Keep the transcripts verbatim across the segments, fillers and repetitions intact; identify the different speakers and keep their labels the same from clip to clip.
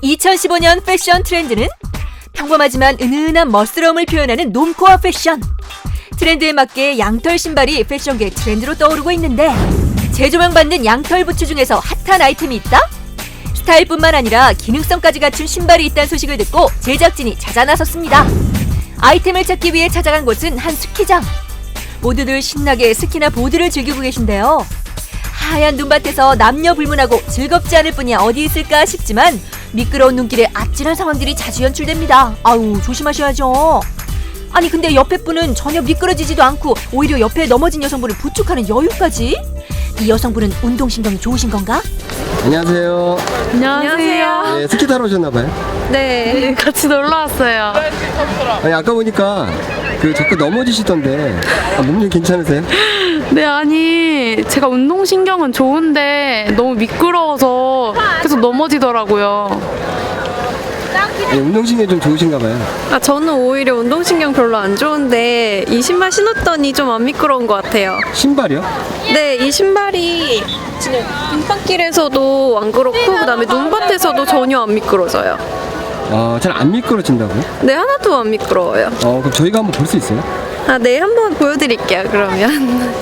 Speaker 1: 이천십오 년 패션 트렌드는 평범하지만 은은한 멋스러움을 표현하는 놈코어 패션. 트렌드에 맞게 양털 신발이 패션계 트렌드로 떠오르고 있는데 재조명받는 양털 부츠 중에서 핫한 아이템이 있다? 스타일뿐만 아니라 기능성까지 갖춘 신발이 있다는 소식을 듣고 제작진이 찾아 나섰습니다. 아이템을 찾기 위해 찾아간 곳은 한 스키장. 모두들 신나게 스키나 보드를 즐기고 계신데요. 하얀 눈밭에서 남녀 불문하고 즐겁지 않을 뿐이야 어디 있을까 싶지만 미끄러운 눈길에 아찔한 상황들이 자주 연출됩니다. 아우, 조심하셔야죠. 아니 근데 옆에 분은 전혀 미끄러지지도 않고 오히려 옆에 넘어진 여성분을 부축하는 여유까지? 이 여성분은 운동신경이 좋으신 건가?
Speaker 2: 안녕하세요.
Speaker 3: 안녕하세요.
Speaker 2: 네, 스키 타러 오셨나봐요.
Speaker 3: 네, 같이 놀러 왔어요.
Speaker 2: 아니, 아까 보니까 그 자꾸 넘어지시던데 아, 몸이 괜찮으세요?
Speaker 3: 네, 아니 제가 운동신경은 좋은데 너무 미끄러워서 계속 넘어지더라고요.
Speaker 2: 네, 운동신경이 좀 좋으신가봐요.
Speaker 4: 아, 저는 오히려 운동신경 별로 안 좋은데 이 신발 신었더니 좀 안 미끄러운 것 같아요.
Speaker 2: 신발이요?
Speaker 4: 네, 이 신발이 진짜 빙판길에서도 안 그렇고 그다음에 눈밭에서도 전혀 안 미끄러져요.
Speaker 2: 어, 잘 안 미끄러진다고요?
Speaker 4: 네, 하나도 안 미끄러워요.
Speaker 2: 어, 그럼 저희가 한번 볼 수 있어요?
Speaker 4: 아, 네, 한번 보여드릴게요. 그러면.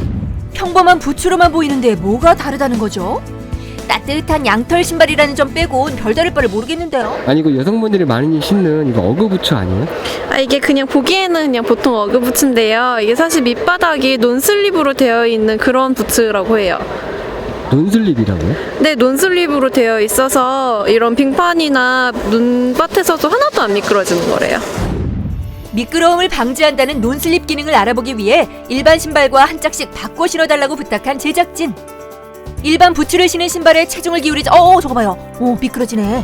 Speaker 1: 평범한 부츠로만 보이는데 뭐가 다르다는 거죠? 따뜻한 양털 신발이라는 점 빼곤 별다를 바를 모르겠는데요.
Speaker 2: 아니, 이거 여성분들이 많이 신는 이거 어그부츠 아니에요?
Speaker 4: 아, 이게 그냥 보기에는 그냥 보통 어그 부츠인데요. 이게 사실 밑바닥이 논슬립으로 되어 있는 그런 부츠라고 해요.
Speaker 2: 논슬립이라고요?
Speaker 4: 네, 논슬립으로 되어 있어서 이런 빙판이나 눈밭에서도 하나도 안 미끄러지는 거래요.
Speaker 1: 미끄러움을 방지한다는 논슬립 기능을 알아보기 위해 일반 신발과 한 짝씩 바꿔 신어달라고 부탁한 제작진. 일반 부츠를 신은 신발에 체중을 기울이자 어 저거 봐요. 오, 미끄러지네.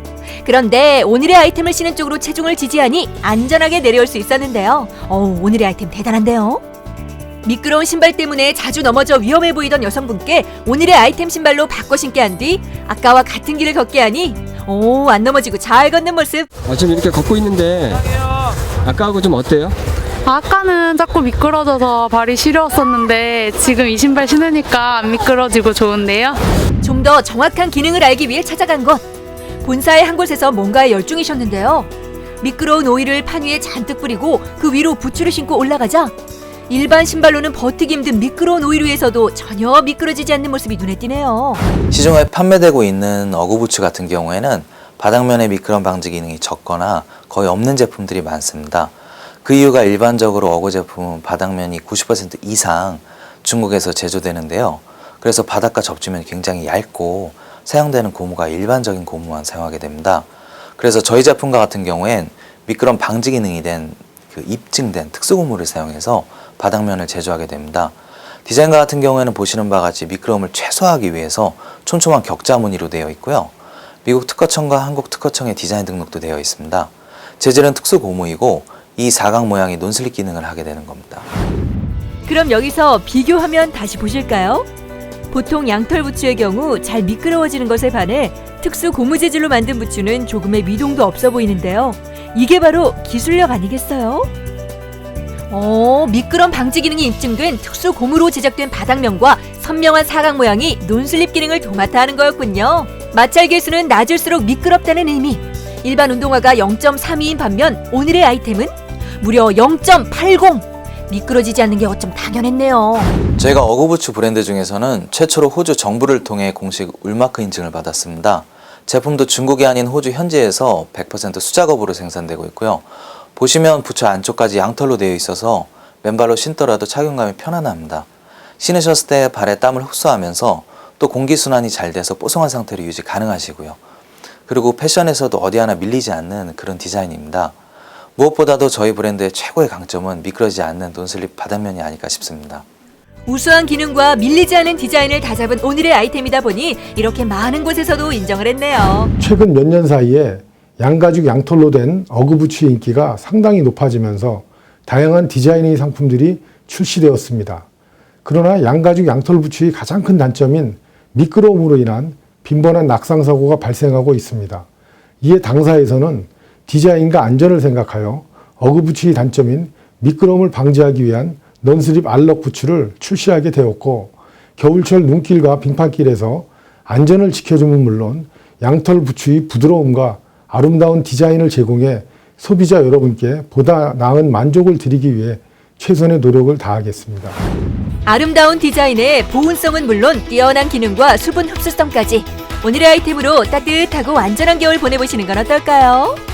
Speaker 1: 그런데 오늘의 아이템을 신은 쪽으로 체중을 지지하니 안전하게 내려올 수 있었는데요. 어, 오늘의 아이템 대단한데요. 미끄러운 신발 때문에 자주 넘어져 위험해 보이던 여성분께 오늘의 아이템 신발로 바꿔 신게 한 뒤 아까와 같은 길을 걷게 하니 오, 안 넘어지고 잘 걷는 모습.
Speaker 2: 아, 지금 이렇게 걷고 있는데 아까하고 좀 어때요?
Speaker 3: 아까는 자꾸 미끄러져서 발이 시려웠었는데 지금 이 신발 신으니까 안 미끄러지고 좋은데요.
Speaker 1: 좀 더 정확한 기능을 알기 위해 찾아간 곳. 본사의 한 곳에서 뭔가에 열중이셨는데요. 미끄러운 오일을 판 위에 잔뜩 뿌리고 그 위로 부츠를 신고 올라가자 일반 신발로는 버티기 힘든 미끄러운 오일 위에서도 전혀 미끄러지지 않는 모습이 눈에 띄네요.
Speaker 5: 시중에 판매되고 있는 어구부츠 같은 경우에는 바닥면의 미끄럼 방지 기능이 적거나 거의 없는 제품들이 많습니다. 그 이유가 일반적으로 어구 제품은 바닥면이 구십 퍼센트 이상 중국에서 제조되는데요. 그래서 바닥과 접지면이 굉장히 얇고 사용되는 고무가 일반적인 고무만 사용하게 됩니다. 그래서 저희 제품과 같은 경우엔 미끄럼 방지 기능이 된 그 입증된 특수고무를 사용해서 바닥면을 제조하게 됩니다. 디자인과 같은 경우에는 보시는 바와 같이 미끄러움을 최소화하기 위해서 촘촘한 격자 무늬로 되어 있고요. 미국 특허청과 한국 특허청의 디자인 등록도 되어 있습니다. 재질은 특수고무이고 이 사각 모양이 논슬립 기능을 하게 되는 겁니다.
Speaker 1: 그럼 여기서 비교하면 다시 보실까요? 보통 양털 부츠의 경우 잘 미끄러워지는 것에 반해 특수 고무 재질로 만든 부츠는 조금의 미동도 없어 보이는데요. 이게 바로 기술력 아니겠어요? 어, 미끄럼 방지 기능이 입증된 특수 고무로 제작된 바닥면과 선명한 사각 모양이 논슬립 기능을 도맡아 하는 거였군요. 마찰 계수는 낮을수록 미끄럽다는 의미. 일반 운동화가 영 점 삼이인 반면 오늘의 아이템은 무려 영 점 팔공! 미끄러지지 않는 게 어쩜 당연했네요.
Speaker 5: 저희가 어구부츠 브랜드 중에서는 최초로 호주 정부를 통해 공식 울마크 인증을 받았습니다. 제품도 중국이 아닌 호주 현지에서 백 퍼센트 수작업으로 생산되고 있고요. 보시면 부츠 안쪽까지 양털로 되어 있어서 맨발로 신더라도 착용감이 편안합니다. 신으셨을 때 발에 땀을 흡수하면서 또 공기순환이 잘 돼서 뽀송한 상태로 유지 가능하시고요. 그리고 패션에서도 어디 하나 밀리지 않는 그런 디자인입니다. 무엇보다도 저희 브랜드의 최고의 강점은 미끄러지지 않는 논슬립 바닥면이 아닐까 싶습니다.
Speaker 1: 우수한 기능과 밀리지 않은 디자인을 다잡은 오늘의 아이템이다 보니 이렇게 많은 곳에서도 인정을 했네요.
Speaker 6: 최근 몇 년 사이에 양가죽 양털로 된 어그부츠의 인기가 상당히 높아지면서 다양한 디자인의 상품들이 출시되었습니다. 그러나 양가죽 양털 부츠의 가장 큰 단점인 미끄러움으로 인한 빈번한 낙상사고가 발생하고 있습니다. 이에 당사에서는 디자인과 안전을 생각하여 어그부츠의 단점인 미끄러움을 방지하기 위한 넌슬립 알럭 부츠를 출시하게 되었고, 겨울철 눈길과 빙판길에서 안전을 지켜주면 물론 양털 부츠의 부드러움과 아름다운 디자인을 제공해 소비자 여러분께 보다 나은 만족을 드리기 위해 최선의 노력을 다하겠습니다.
Speaker 1: 아름다운 디자인에 보온성은 물론 뛰어난 기능과 수분 흡수성까지 오늘의 아이템으로 따뜻하고 안전한 겨울 보내보시는 건 어떨까요?